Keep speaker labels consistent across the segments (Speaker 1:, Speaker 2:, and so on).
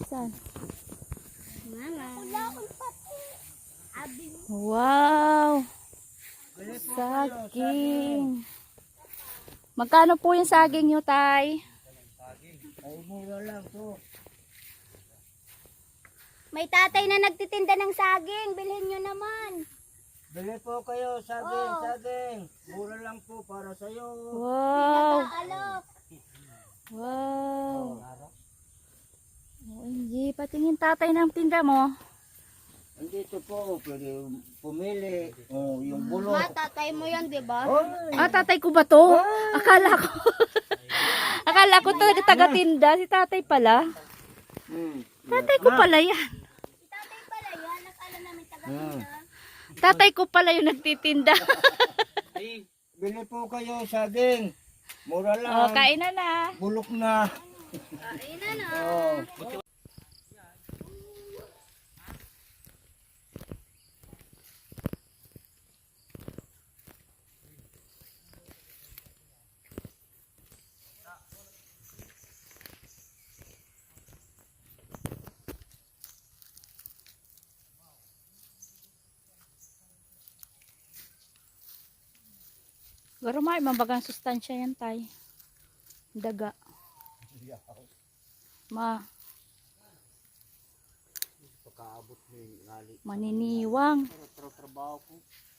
Speaker 1: Saan?
Speaker 2: Mama.
Speaker 1: Wow! Saging. Magkano po yung saging nyo, Tay?
Speaker 3: Ay, mura lang to.
Speaker 2: May tatay na nagtitinda ng saging. Bilhin nyo naman.
Speaker 3: Bili po kayo, saging,
Speaker 2: Oh.
Speaker 3: saging. Mura lang po para sa'yo.
Speaker 1: Wow!
Speaker 2: Alok.
Speaker 1: Wow! OMG, patingin tatay ng tinda mo.
Speaker 3: Andito po, pwede pumili. Oh, yung bulok.
Speaker 2: Ma, tatay mo yan, di ba?
Speaker 3: Oh,
Speaker 1: Ah, tatay ko ba to? Akala ko. Akala ko to taga-tinda. Si tatay pala. Tatay ko pala yan.
Speaker 2: Tatay pala yan. Nakala namin taga
Speaker 1: Tatay ko pala yung nagtitinda.
Speaker 3: Bili po kayo, saging. Mura lang.
Speaker 1: Oh, kain na na.
Speaker 3: Bulok na.
Speaker 2: Ayun na na.
Speaker 3: Oh.
Speaker 1: Garo may mabagang sustansya yan, Tay. Daga. Ma.
Speaker 3: Pagkaabot mo yung ngali.
Speaker 1: Maniniwang.
Speaker 3: Trabaho ko.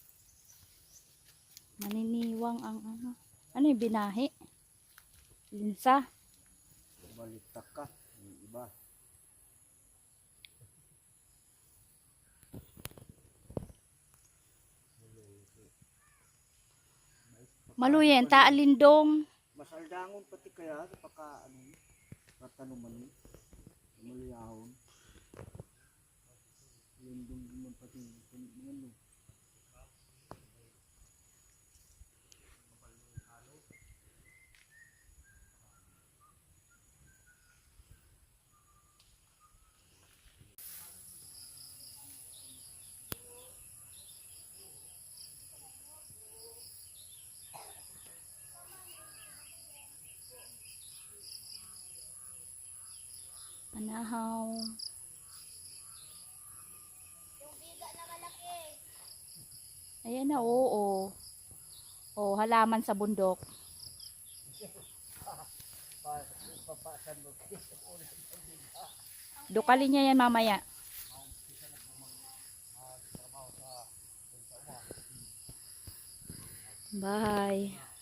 Speaker 1: Maniniwang ang ano. Ano yung binahi? Linsa.
Speaker 3: Balitak ka. Yung iba.
Speaker 1: Maluyen, taalindong.
Speaker 3: Masaldangon pati kaya pagka ano, patanuman mo. Maliyahon. Lindong naman pati ano.
Speaker 1: Panahaw.
Speaker 2: Yung biga na malaki.
Speaker 1: Ayan na, oo. Oh, halaman sa bundok. Dukalin niya yan mamaya. Bye.